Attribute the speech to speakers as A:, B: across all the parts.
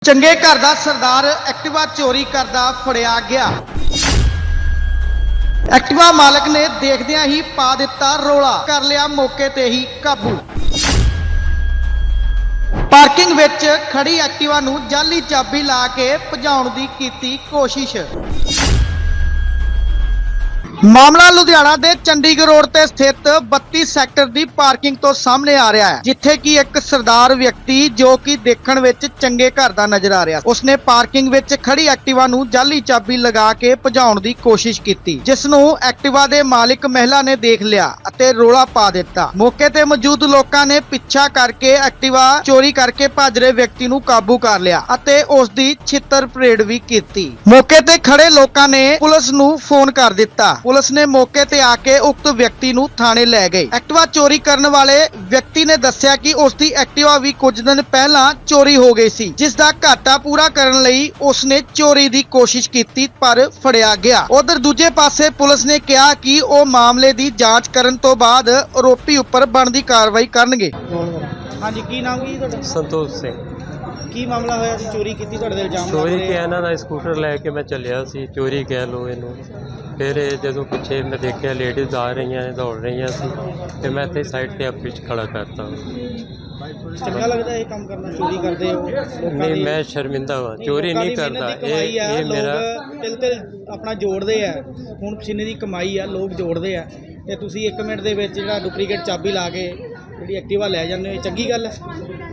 A: ਚੰਗੇ ਘਰ ਦਾ ਸਰਦਾਰ ਐਕਟਿਵਾ ਚੋਰੀ ਕਰਦਾ ਫੜਿਆ ਗਿਆ। ਐਕਟਿਵਾ ਮਾਲਕ ਨੇ ਦੇਖਦਿਆਂ ਹੀ ਪਾ ਦਿੱਤਾ ਰੋਲਾ, ਕਰ ਲਿਆ ਮੌਕੇ ਤੇ ਹੀ ਕਾਬੂ। ਪਾਰਕਿੰਗ ਵਿੱਚ ਖੜੀ ਐਕਟਿਵਾ ਨੂੰ ਜਾਲੀ ਚਾਬੀ ਲਾ ਕੇ ਭਜਾਉਣ ਦੀ ਕੀਤੀ ਕੋਸ਼ਿਸ਼। ਮਾਮਲਾ ਲੁਧਿਆਣਾ ਦੇ ਚੰਡੀਗੜ੍ਹ ਰੋਡ ਤੇ ਸਥਿਤ 32 ਸੈਕਟਰ ਦੀ ਪਾਰਕਿੰਗ ਤੋਂ ਸਾਹਮਣੇ ਆ ਰਿਹਾ ਹੈ, ਜਿੱਥੇ ਕਿ ਇੱਕ ਸਰਦਾਰ ਵਿਅਕਤੀ ਜੋ ਕਿ ਦੇਖਣ ਵਿੱਚ ਚੰਗੇ ਘਰ ਦਾ ਨਜ਼ਰ ਆ ਰਿਹਾ, ਉਸਨੇ ਪਾਰਕਿੰਗ ਵਿੱਚ ਖੜੀ ਐਕਟਿਵਾ ਨੂੰ ਜਾਲੀ ਚਾਬੀ ਲਗਾ ਕੇ ਭਜਾਉਣ ਦੀ ਕੋਸ਼ਿਸ਼ ਕੀਤੀ, ਜਿਸ ਨੂੰ ਐਕਟਿਵਾ ਦੇ ਮਾਲਕ ਮਹਿਲਾ ਨੇ ਦੇਖ ਲਿਆ ਅਤੇ ਰੋਲਾ ਪਾ ਦਿੱਤਾ। ਮੌਕੇ ਤੇ ਮੌਜੂਦ ਲੋਕਾਂ ਨੇ ਪਿੱਛਾ ਕਰਕੇ ਐਕਟਿਵਾ ਚੋਰੀ ਕਰਕੇ ਭੱਜ ਰਹੇ ਵਿਅਕਤੀ ਨੂੰ ਕਾਬੂ ਕਰ ਲਿਆ ਅਤੇ ਉਸ ਦੀ ਛਿੱਤਰ ਪਰੇਡ ਵੀ ਕੀਤੀ। ਮੌਕੇ ਤੇ ਖੜੇ ਲੋਕਾਂ ਨੇ ਪੁਲਿਸ ਨੂੰ ਫੋਨ ਕਰ ਦਿੱਤਾ। ਪੁਲਿਸ ਨੇ ਮੌਕੇ ਤੇ ਆ ਕੇ ਉਕਤ ਵਿਅਕਤੀ ਨੂੰ ਥਾਣੇ ਲੈ ਗਈ। ਐਕਟਿਵਾ ਚੋਰੀ ਕਰਨ ਵਾਲੇ ਵਿਅਕਤੀ ਨੇ ਦੱਸਿਆ ਕਿ ਉਸ ਦੀ ਐਕਟਿਵਾ ਵੀ ਕੁਝ ਦਿਨ ਪਹਿਲਾਂ ਚੋਰੀ ਹੋ ਗਈ ਸੀ, ਜਿਸ ਦਾ ਘਾਟਾ ਪੂਰਾ ਕਰਨ ਲਈ ਉਸ ਨੇ ਚੋਰੀ ਦੀ ਕੋਸ਼ਿਸ਼ ਕੀਤੀ ਪਰ ਫੜਿਆ ਗਿਆ। ਉਧਰ ਦੂਜੇ ਪਾਸੇ ਪੁਲਿਸ ਨੇ ਕਿਹਾ ਕਿ ਉਹ ਮਾਮਲੇ ਦੀ ਜਾਂਚ ਕਰਨ ਤੋਂ ਬਾਅਦ ਆਰੋਪੀ ਉੱਪਰ ਬਣਦੀ ਕਾਰਵਾਈ ਕਰਨਗੇ।
B: ਹਾਂਜੀ, ਕੀ ਨਾਮ ਕੀ ਤੁਹਾਡਾ?
C: ਸੰਤੋਖ ਸਿੰਘ।
B: ਕੀ ਮਾਮਲਾ ਹੋਇਆ ਸੀ? ਚੋਰੀ ਕੀਤੀ ਤੁਹਾਡੇ ਦੇ ਇਲਜ਼ਾਮ
C: ਚੋਰੀ ਕਿ ਇਹਨਾਂ ਦਾ ਸਕੂਟਰ ਲੈ ਕੇ ਮੈਂ ਚੱਲਿਆ ਸੀ, ਚੋਰੀ ਕਹਿ ਲਓ ਇਹਨੂੰ। ਫਿਰ ਜਦੋਂ ਪਿੱਛੇ ਮੈਂ ਦੇਖਿਆ ਲੇਡੀਜ਼ ਆ ਰਹੀਆਂ ਨੇ, ਦੌੜ ਰਹੀਆਂ ਸੀ, ਤੇ ਮੈਂ ਇੱਥੇ ਸਾਈਡ ਤੇ ਆਪੇ ਖੜਾ ਕਰਤਾ।
B: ਚੰਗਾ ਲੱਗਦਾ ਇਹ ਕੰਮ ਕਰਨਾ? ਚੋਰੀ ਕਰਦੇ ਹੋ?
C: ਨਹੀਂ, ਮੈਂ ਸ਼ਰਮਿੰਦਾ ਹਾਂ, ਚੋਰੀ ਨਹੀਂ ਕਰਦਾ। ਇਹ ਮੇਰਾ
B: ਤਿਲ ਆਪਣਾ ਜੋੜਦੇ ਆ, ਹੁਣ ਪਸੀਨੇ ਦੀ ਕਮਾਈ ਆ, ਲੋਕ ਜੋੜਦੇ ਆ, ਤੇ ਤੁਸੀਂ 1 ਮਿੰਟ ਦੇ ਵਿੱਚ ਜਿਹੜਾ ਡੁਪਲੀਕੇਟ ਚਾਬੀ ਲਾ ਕੇ ਜਿਹੜੀ ਐਕਟਿਵਾ ਲੈ ਜਾਂਦੇ ਹੋ, ਇਹ ਚੰਗੀ ਗੱਲ ਹੈ?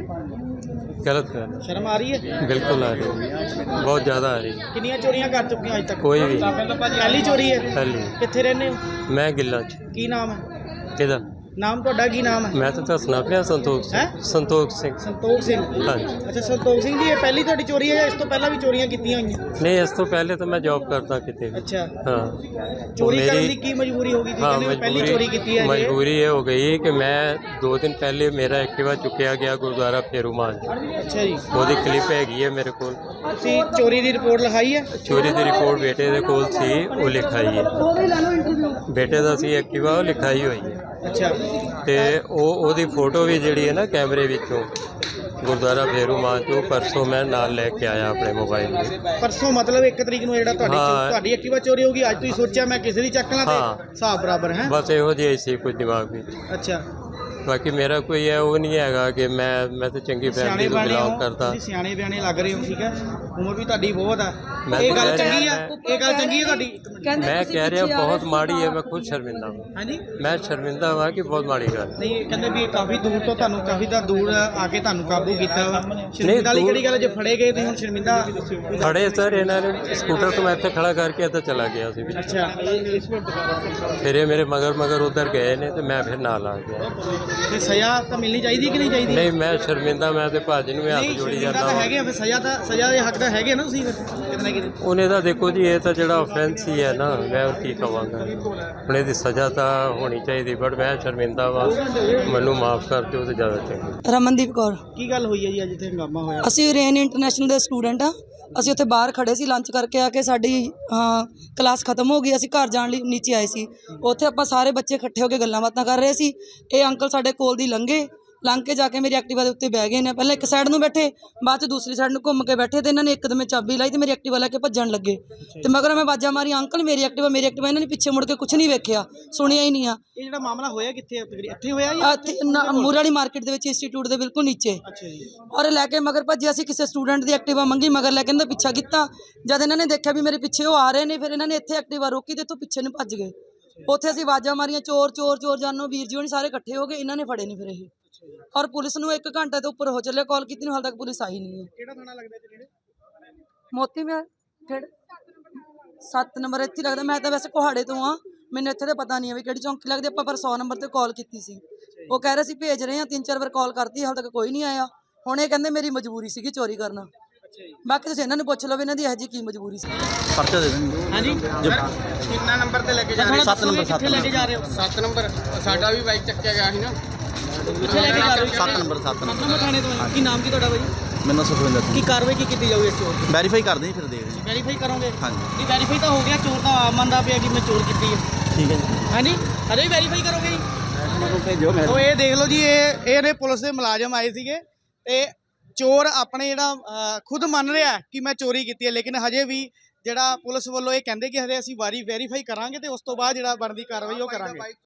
C: ਗਲਤ ਗੱਲ।
B: ਸ਼ਰਮ ਆ ਰਹੀ ਹੈ?
C: ਬਿਲਕੁਲ ਆ ਰਹੀ, ਬਹੁਤ ਜ਼ਿਆਦਾ ਆ ਰਹੀ।
B: ਕਿੰਨੀਆਂ ਚੋਰੀਆਂ ਕਰ ਚੁੱਕੇ ਹੋ ਅੱਜ ਤੱਕ?
C: ਕੋਈ ਵੀ
B: ਪਹਿਲੀ ਚੋਰੀ ਹੈ?
C: ਪਹਿਲੀ।
B: ਕਿੱਥੇ ਰਹਿੰਦੇ ਹੋ?
C: ਮੈਂ ਗਿੱਲਾਂ 'ਚ।
B: ਕੀ ਨਾਮ ਹੈ?
C: ਕਿਹਦਾ
B: ਨਾਮ ਤੁਹਾਡਾ ਕੀ ਨਾਮ ਹੈ?
C: ਮੈਂ ਤਾਂ ਦੱਸਣਾ ਪਿਆ, ਸੰਤੋਖ ਸਿੰਘ। ਸੰਤੋਖ ਸਿੰਘ।
B: ਸੰਤੋਖ ਸਿੰਘ।
C: ਹਾਂਜੀ।
B: ਅੱਛਾ, ਸੰਤੋਖ ਸਿੰਘ ਜੀ, ਇਹ ਪਹਿਲੀ ਤੁਹਾਡੀ ਚੋਰੀ ਹੈ ਜਾਂ ਇਸ ਤੋਂ ਪਹਿਲਾਂ ਵੀ ਚੋਰੀਆਂ ਕੀਤੀਆਂ ਹੋਈਆਂ?
C: ਨਹੀਂ, ਇਸ ਤੋਂ ਪਹਿਲੇ ਤਾਂ ਮੈਂ ਜੌਬ ਕਰਦਾ ਕਿਤੇ।
B: ਅੱਛਾ।
C: ਹਾਂ।
B: ਚੋਰੀ ਕਰਨ ਦੀ ਕੀ ਮਜਬੂਰੀ ਹੋ ਗਈ ਸੀ? ਕਹਿੰਦੇ ਪਹਿਲੀ ਚੋਰੀ ਕੀਤੀ ਹੈ ਜੀ।
C: ਮਜਬੂਰੀ ਇਹ ਹੋ ਗਈ ਕਿ ਮੈਂ 2 ਦਿਨ ਪਹਿਲੇ ਮੇਰਾ ਐਕਟਿਵਾ ਚੁੱਕਿਆ ਗਿਆ ਗੁਰਦੁਆਰਾ ਫੇਰੂਮਾਨ।
B: ਅੱਛਾ ਜੀ।
C: ਉਹਦੀ ਕਲਿੱਪ ਹੈਗੀ ਹੈ ਮੇਰੇ ਕੋਲ।
B: ਤੁਸੀਂ ਚੋਰੀ ਦੀ ਰਿਪੋਰਟ ਲਿਖਾਈ ਹੈ?
C: ਚੋਰੀ ਦੀ ਰਿਪੋਰਟ ਬੇਟੇ ਦੇ ਕੋਲ ਸੀ, ਉਹ ਲਿਖਾਈ ਹੈ। ਬੇਟੇ ਦਾ ਸੀ ਐਕਟਿਵਾ, ਉਹ ਲਿਖਾਈ ਹੋਈ ਹੈ।
B: ਅੱਛਾ।
C: ਤੇ ਉਹਦੀ ਫੋਟੋ ਵੀ ਜਿਹੜੀ ਹੈ ਨਾ ਕੈਮਰੇ ਵਿੱਚੋਂ ਗੁਰਦੁਆਰਾ ਫੇਰੂਮਾਨ ਤੋਂ ਪਰਸੋਂ ਮੈਂ ਨਾਲ ਲੈ ਕੇ ਆਇਆ ਆਪਣੇ ਮੋਬਾਈਲ 'ਤੇ।
B: ਪਰਸੋਂ ਮਤਲਬ 1 ਤਰੀਕ ਨੂੰ ਜਿਹੜਾ ਤੁਹਾਡੀ ਐਕਟਿਵਾ ਚੋਰੀ ਹੋ ਗਈ, ਅੱਜ ਤੁਸੀਂ ਸੋਚਿਆ ਮੈਂ ਕਿਸੇ ਦੀ ਚੱਕ ਲਾਂ ਤੇ ਹਿਸਾਬ ਬਰਾਬਰ ਹੈ?
C: ਬਸ ਇਹੋ ਜਿਹੀ ਸੀ ਕੁਝ ਦਿਮਾਗ ਵਿੱਚ।
B: ਅੱਛਾ।
C: ਬਾਕੀ ਮੇਰਾ ਕੋਈ ਹੈ ਉਹ ਨਹੀਂ ਹੈਗਾ ਕਿ ਮੈਂ ਤਾਂ ਚੰਗੀ ਫੈਮਿਲੀ ਤੋਂ ਬਿਲੋਂਗ ਕਰਦਾ।
B: ਤੁਸੀਂ ਸਿਆਣੇ ਬਿਆਣੇ ਲੱਗ ਰਹੇ ਹੋ, ਠੀਕ ਹੈ, ਉਮਰ ਵੀ ਤੁਹਾਡੀ ਬਹੁਤ ਆ। ਇਹ ਗੱਲ ਚੰਗੀ ਆ? ਇਹ ਗੱਲ ਚੰਗੀ ਹੈ ਤੁਹਾਡੀ?
C: ਮੈਂ ਕਹਿ ਰਿਹਾ ਬਹੁਤ ਮਾੜੀ ਹੈ, ਮੈਂ ਖੁਦ ਸ਼ਰਮਿੰਦਾ ਹਾਂ।
B: ਹਾਂਜੀ,
C: ਮੈਂ ਸ਼ਰਮਿੰਦਾ ਹਾਂ ਕਿ ਬਹੁਤ ਮਾੜੀ ਗੱਲ।
B: ਨਹੀਂ, ਕਹਿੰਦੇ ਵੀ ਕਾਫੀ ਦੂਰ ਤੋਂ ਤੁਹਾਨੂੰ ਦੂਰ ਆ ਕੇ ਤੁਹਾਨੂੰ ਕਾਬੂ ਕੀਤਾ ਵਾ। ਸ਼ਰਮਿੰਦਾ ਵਾਲੀ ਕਿਹੜੀ ਗੱਲ? ਜੇ ਫੜੇ ਗਏ ਤੁਸੀਂ ਹੁਣ ਸ਼ਰਮਿੰਦਾ?
C: ਫੜੇ ਸਰ, ਇਹਨਾਂ ਨੇ ਸਕੂਟਰ ਤੋਂ ਮੈਂ ਇੱਥੇ ਖੜਾ ਕਰਕੇ ਇੱਥੇ ਚਲਾ ਗਿਆ ਸੀ।
B: ਅੱਛਾ।
C: ਫਿਰ ਇਹ ਮੇਰੇ ਮਗਰ ਉਧਰ ਗਏ ਨੇ ਤੇ ਮੈਂ ਫਿਰ ਨਾਲ ਆ ਗਿਆ।
B: ਤੇ ਸਜ਼ਾ ਤਾਂ ਮਿਲਣੀ ਚਾਹੀਦੀ ਕਿ ਨਹੀਂ ਚਾਹੀਦੀ?
C: ਨਹੀਂ, ਮੈਂ ਸ਼ਰਮਿੰਦਾ, ਮੈਂ ਤੇ ਭਾਜੀ ਨੂੰ ਹੱਥ ਜੋੜੀ ਜਾਂਦਾ
B: ਤਾਂ ਹੈਗੇ ਫਿਰ ਸਜ਼ਾ ਦੇ ਹੱਕ ਦਾ ਹੈਗੇ ਨਾ ਤੁਸੀਂ ਕਿਤਨਾ ਕਿਤੇ?
C: ਉਹਨੇ ਤਾਂ ਦੇਖੋ ਜੀ, ਇਹ ਤਾਂ ਜਿਹੜਾ ਆਫੈਂਸ ਹੀ ਹੈ ਨਾ, ਮੈਂ ਉਹ ਕੀ ਕਹਾਂਗਾ। ਹੁਣ ਇਹਦੀ ਸਜ਼ਾ ਤਾਂ ਹੋਣੀ ਚਾਹੀਦੀ, ਬਟ ਮੈਂ ਸ਼ਰਮਿੰਦਾ ਵਾ, ਮੈਨੂੰ ਮਾਫ ਕਰ ਦਿਓ ਤੇ ਜ਼ਿਆਦਾ ਚੰਗਾ।
D: ਰਮਨਦੀਪ ਕੌਰ।
B: ਕੀ ਗੱਲ ਹੋਈ ਹੈ ਜੀ ਅੱਜ ਇੱਥੇ ਹੰਗਾਮਾ ਹੋਇਆ?
D: ਅਸੀਂ ਰੇਨ ਇੰਟਰਨੈਸ਼ਨਲ ਦੇ ਸਟੂਡੈਂਟ ਆ। ਅਸੀਂ ਉੱਥੇ ਬਾਹਰ ਖੜੇ ਸੀ, ਲੰਚ ਕਰਕੇ ਆ ਕੇ ਸਾਡੀ ਕਲਾਸ ਖਤਮ ਹੋ ਗਈ। ਅਸੀਂ ਘਰ ਜਾਣ ਲਈ ਨੀਚੇ ਆਏ ਸੀ। ਉੱਥੇ ਆਪਾਂ ਸਾਰੇ ਬੱਚੇ ਇਕੱਠੇ ਹੋ ਕੇ ਗੱਲਾਂ ਬਾਤਾਂ ਕਰ ਰਹੇ ਸੀ। ਇਹ ਅੰਕਲ ਸਾਡੇ ਕੋਲ ਦੀ ਲੰਘ ਕੇ ਜਾ ਕੇ ਮੇਰੀ ਐਕਟਿਵਾ ਦੇ ਉੱਤੇ ਬਹਿ ਗਏ ਨੇ। ਪਹਿਲਾਂ ਇੱਕ ਸਾਈਡ ਨੂੰ ਬੈਠੇ, ਬਾਅਦ 'ਚ ਦੂਸਰੀ ਸਾਈਡ ਨੂੰ ਘੁੰਮ ਕੇ ਬੈਠੇ, ਤੇ ਇਹਨਾਂ ਨੇ ਇੱਕਦਮ ਚਾਬੀ ਲਾਈ ਤੇ ਮੇਰੀ ਐਕਟਿਵਾ ਲੈ ਕੇ ਭੱਜਣ ਲੱਗੇ। ਤੇ ਮਗਰ ਮੈਂ ਆਵਾਜ਼ਾਂ ਮਾਰੀ, ਅੰਕਲ ਮੇਰੀ ਐਕਟਿਵਾ। ਇਹਨਾਂ ਨੇ ਪਿੱਛੇ ਮੁੜ ਕੇ ਕੁਝ ਨਹੀਂ ਵੇਖਿਆ, ਸੁਣਿਆ ਹੀ ਨਹੀਂ ਆ।
B: ਇਹ ਜਿਹੜਾ ਮਾਮਲਾ ਹੋਇਆ ਕਿੱਥੇ? ਇੱਥੇ ਹੋਇਆ ਜਾਂ
D: ਮੂਰੇ ਵਾਲੀ ਮਾਰਕੀਟ ਦੇ ਵਿੱਚ, ਇੰਸਟੀਚਿਊਟ ਦੇ ਬਿਲਕੁਲ ਨੀਚੇ।
B: ਅੱਛਾ ਜੀ।
D: ਔਰ ਲੈ ਕੇ ਮਗਰ ਭੱਜਿਆ ਸੀ। ਕਿਸੇ ਸਟੂਡੈਂਟ ਦੀ ਐਕਟਿਵਾ ਮੰਗੀ, ਮਗਰ ਲੈ ਕੇ ਇਹਨਾਂ ਦਾ ਪਿੱਛਾ ਕੀਤਾ। ਜਦ ਇਹਨਾਂ ਨੇ ਦੇਖਿਆ ਵੀ ਮੇਰੇ ਪਿੱਛੇ ਉਹ ਆ ਰਹੇ ਨੇ, ਫਿਰ ਇਹਨਾਂ ਨੇ ਇੱਥੇ ਐਕਟਿਵਾ ਰੋਕੀ ਤੇ ਇੱਥੋਂ ਪਿੱਛੇ ਨੂੰ ਭੱਜ ਗਏ। ਉੱਥੇ ਅਸੀਂ ਆਵਾਜ਼ਾਂ ਮਾਰੀਆਂ, ਚੋਰ ਚੋਰ ਚੋਰ ਜਾਨੋ। ਵੀਰ ਜੀ ਹੋਣੀ ਸਾਰੇ ਇਕੱਠੇ ਹੋ ਗਏ, ਇਹਨਾਂ ਨੇ ਫੜੇ ਨਹੀਂ ਫਿਰ ਇਹ। ਔਰ ਪੁਲਿਸ ਨੂੰ 1 ਘੰਟੇ ਤੋਂ ਉੱਪਰ ਹੋ ਚੱਲਿਆ ਕਾਲ ਕੀਤੀ ਨੂੰ, ਹਾਲ ਤੱਕ ਪੁਲਿਸ ਆਈ ਨਹੀਂ ਹੈ।
B: ਕਿਹੜਾ ਥਾਣਾ ਲੱਗਦਾ ਇੱਥੇ? ਕਿਹੜੇ?
D: ਮੋਤੀ ਮੈਂ ਫਿਰ 7 ਨੰਬਰ ਇੱਥੇ ਲੱਗਦਾ। ਮੈਂ ਤਾਂ ਵੈਸੇ ਕੋਹਾੜੇ ਤੋਂ ਆ, ਮੈਨੂੰ ਇੱਥੇ ਤਾਂ ਪਤਾ ਨਹੀਂ ਹੈ ਵੀ ਕਿਹੜੀ ਚੌਂਕੀ ਲੱਗਦੀ। ਆਪਾਂ ਪਰ 100 ਨੰਬਰ ਤੇ ਕਾਲ ਕੀਤੀ ਸੀ, ਉਹ ਕਹਿ ਰਹੇ ਸੀ ਭੇਜ ਰਹੇ ਹਾਂ। 3-4 ਵਾਰ ਕਾਲ ਕਰਤੀ, ਹਾਲ ਤੱਕ ਕੋਈ ਨਹੀਂ ਆਇਆ। ਹੁਣ ਇਹ ਕਹਿੰਦੇ ਮੇਰੀ ਮਜਬੂਰੀ ਸੀਗੀ ਚੋਰੀ ਕਰਨਾ। ਬਾਕੀ ਤੁਸੀਂ ਇਹਨਾਂ ਨੂੰ ਪੁੱਛ ਲਓ ਵੀ ਇਹਨਾਂ ਦੀ ਇਹੋ ਜਿਹੀ ਕੀ ਮਜਬੂਰੀ ਸੀ।
E: ਪਰਚਾ ਦੇ ਦੇਣਗੇ।
B: ਹਾਂਜੀ। ਕਿੰਨਾ ਨੰਬਰ ਤੇ ਲੈ ਕੇ ਜਾ ਰਹੇ ਹੋ?
E: 7 ਨੰਬਰ।
B: ਕਿੱਥੇ ਲੈ ਕੇ ਜਾ ਰਹੇ ਹੋ?
F: 7 ਨੰਬਰ। ਸਾਡਾ ਵੀ ਬਾਈਕ ਚੱਕਿਆ ਗਿਆ ਸੀ ਨਾ।
B: ਕਿੱਥੇ ਲੈ ਕੇ ਜਾ ਰਹੇ ਹੋ?
E: 7 ਨੰਬਰ। 7
B: ਨੰਬਰ ਥਾਣੇ ਤੋਂ। ਕੀ ਨਾਮ ਕੀ ਤੁਹਾਡਾ ਬਾਈ?
E: ਮੈਨੂੰ ਸੁਖਵਿੰਦਰ
B: ਕੀ ਕਾਰਵਾਈ ਕੀ ਕੀਤੀ ਜਾਊਗੀ ਇਸ ਚੋਰ ਦੀ?
E: ਵੈਰੀਫਾਈ ਕਰਦੇ ਜੀ, ਫਿਰ ਦੇਖਦੇ ਜੀ।
B: ਵੈਰੀਫਾਈ ਕਰੋਗੇ?
E: ਹਾਂਜੀ।
B: ਨਹੀਂ, ਵੈਰੀਫਾਈ ਤਾਂ ਹੋ ਗਿਆ, ਚੋਰ ਤਾਂ ਮੰਨਦਾ ਪਿਆ ਕਿ ਮੈਂ ਚੋਰ ਕੀਤੀ ਹੈ।
E: ਠੀਕ ਹੈ ਜੀ।
B: ਹਾਂਜੀ, ਅਜੇ ਵੀ ਵੈਰੀਫਾਈ ਕਰੋਗੇ ਜੀ?
E: ਮੈਨੂੰ ਭੇਜੋ।
B: ਸੋ ਇਹ ਦੇਖ ਲਓ ਜੀ, ਇਹ ਨੇ ਪੁਲਿਸ ਦੇ ਮੁਲਾਜ਼ਮ ਆਏ ਸੀਗੇ ਤੇ
A: ਚੋਰ ਆਪਣੇ ਜਿਹੜਾ ਖੁਦ ਮੰਨ ਰਿਹਾ ਹੈ ਕਿ ਮੈਂ ਚੋਰੀ ਕੀਤੀ ਹੈ, ਲੇਕਿਨ ਹਜੇ ਵੀ ਜਿਹੜਾ ਪੁਲਿਸ ਵੱਲੋਂ ਇਹ ਕਹਿੰਦੇ ਕਿ ਹਜੇ ਅਸੀਂ ਵੈਰੀਫਾਈ ਕਰਾਂਗੇ ਤੇ ਉਸ ਤੋਂ ਬਾਅਦ ਜਿਹੜਾ ਬਣਦੀ ਕਾਰਵਾਈ ਉਹ ਕਰਾਂਗੇ।